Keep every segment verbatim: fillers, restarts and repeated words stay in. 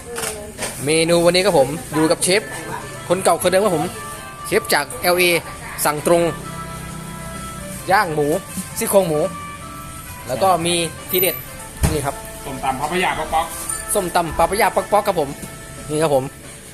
เมนูวันนี้ครับผมอยู่กับเชฟคนเก่าคนเดิมครับผมเชฟจาก แอล เอ สั่งตรงย่างหมูซี่โครงหมูแล้วก็มีทีเด็ดนี่ครับส้มตำพัพยาป๊อกป๊อกส้มตำปลาปะยาป๊อกๆครับผมนี่ครับผม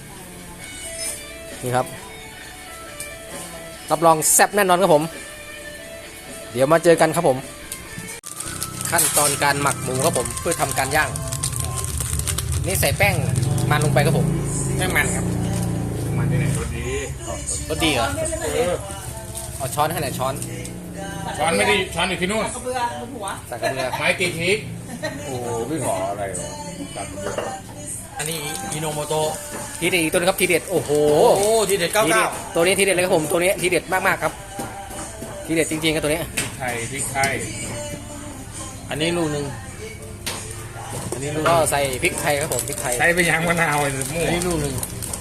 นี่ครับรับรองแซ่บแน่นอนครับผมเดี๋ยวมาเจอกันครับผมขั้นตอนการหมักหมูครับผมเพื่อทำการย่างนี่ใส่แป้งมันลงไปครับผมแป้งมันครับมันที่ไหนรสดีรสดีเหรอเออเอาช้อนให้หน่อยช้อนช้อนไม่ได้ช้อนอยู่ที่นู่นกระเบือบนหัวใส่กระเบือไม้ตีพริกโอ้ไม่ขออะไรหรอตัดเยอะอันนี้อิโนโมโตะทีเด็ดอีกตัวนึงครับทีเด็ดโอ้โหโอ้ทีเด็ดเก้าทีเด็เก้าดตัวนี้ทีเด็ดเลยครับผมตัวนี้ทีเด็ดมากๆครับทีเด็ดจริงๆครับตัวนี้พริกไทยพริกไทยอันนี้ลูกหนึ่งอันนี้ลูกก็ใส่พริกไทยครับผมพริกไทยใช้ไปยางมะนาวเลยหมูอันนี้ลูกหนึ่ง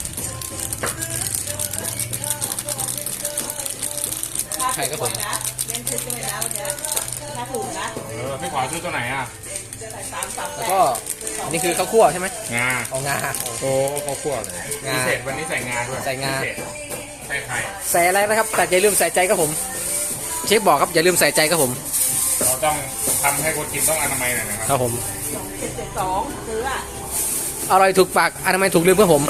ไทยครับผมนะเล่นซื้อไปแล้วเนี่ยถ้าถูกนะเออพี่ขอซื้อตัวไหนอ่ะใส่สามสามแล้วก็อันนี้คือข้าวคั่วใช่ไหมงาเอางาโอ้ข้าวคั่วเลยงาพิเศษวันนี้ใส่งาด้วยใส่งาพิเศษใส่ไข่ใส่อะไรนะครับแต่อย่าลืมใส่ใจครับผมเชฟบอกครับอย่าลืมใส่ใจครับผมเราต้องทำให้คนกินต้องอนามัยหน่อยนะคครัรับบผมเจ็ดเจ็ดสองซื้ออ่ะอร่อยถูกปากอนามัยถูกลืมครับผม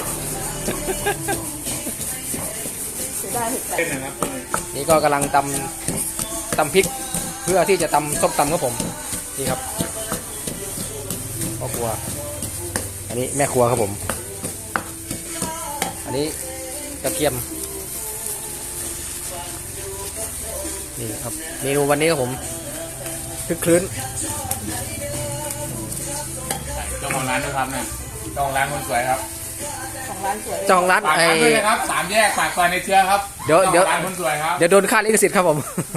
ซื้อได้ถูกแต่เส้นนะครับนี่ก็กำลังตำตำพริกเพื่อที่จะตำส้มตำครับผมนี่ครับพ่อครัวอันนี้แม่ครัวครับผม อันนี้กระเทียมนี่ครับเมนูวันนี้ครับผมคึกคลื้นเจ้าของร้านด้วยครับเนี่ยเจ้าของร้านคนสวยครับของร้านสวยเจ้าของร้านฝากไอ้ร้านด้วยนะครับสามแยกปากซอยในเชื้อครับเดี๋ยวเดี๋ยวจ้าของร้านคนสวยครับเดี๋ยวโดนค่าลิขสิทธิ์ครับผม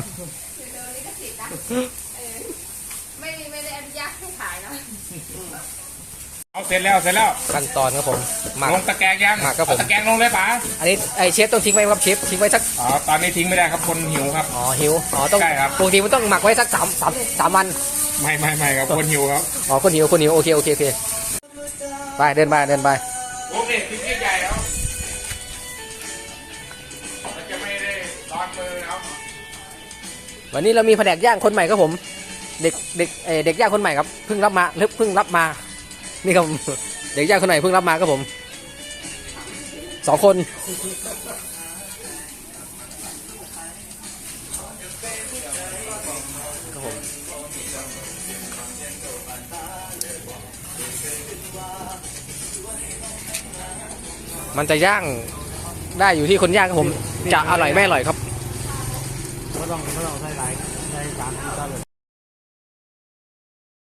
ไม่ไม่ได้อนุญาตให้ขายนะเอาเสร็จแล้วเสร็จแล้วขั้นตอนครับผมหมักลงตะแกรงยังหมักครับผมเอาตะแกรงลงเลยป๋าอันนี้ไอเชฟต้องทิ้งไว้ครับเชฟทิ้งไว้สักอ๋อตอนนี้ทิ้งไม่ได้ครับคนหิวครับอ๋อหิวอ๋อต้องใช่ครับปกติมันต้องหมักไว้สักสามสามสามวันไม่ไม่ไม่ครับคนหิวครับอ๋อคนหิวคนหิวโอเคโอเคโอเคไปเดินไปเดินไปโอเคทิ้งใหญ่แล้วมันจะไม่ได้ร้อนมือแล้ววันนี้เรามีแผนกย่างคนใหม่ครับผม เด็กเด็กเออเด็กย่างคนใหม่ครับเพิ่งรับมาเพิ่งรับมานี่ครับ เด็กย่างคนใหม่เพิ่งรับมาครับผมสองคนครับผมมันจะย่างได้อยู่ที่คนย่างครับผมจะอร่อยไม่อร่อยครับไม่ต้องไม่ต้องใส่หลายใส่สามสี่ตาเลย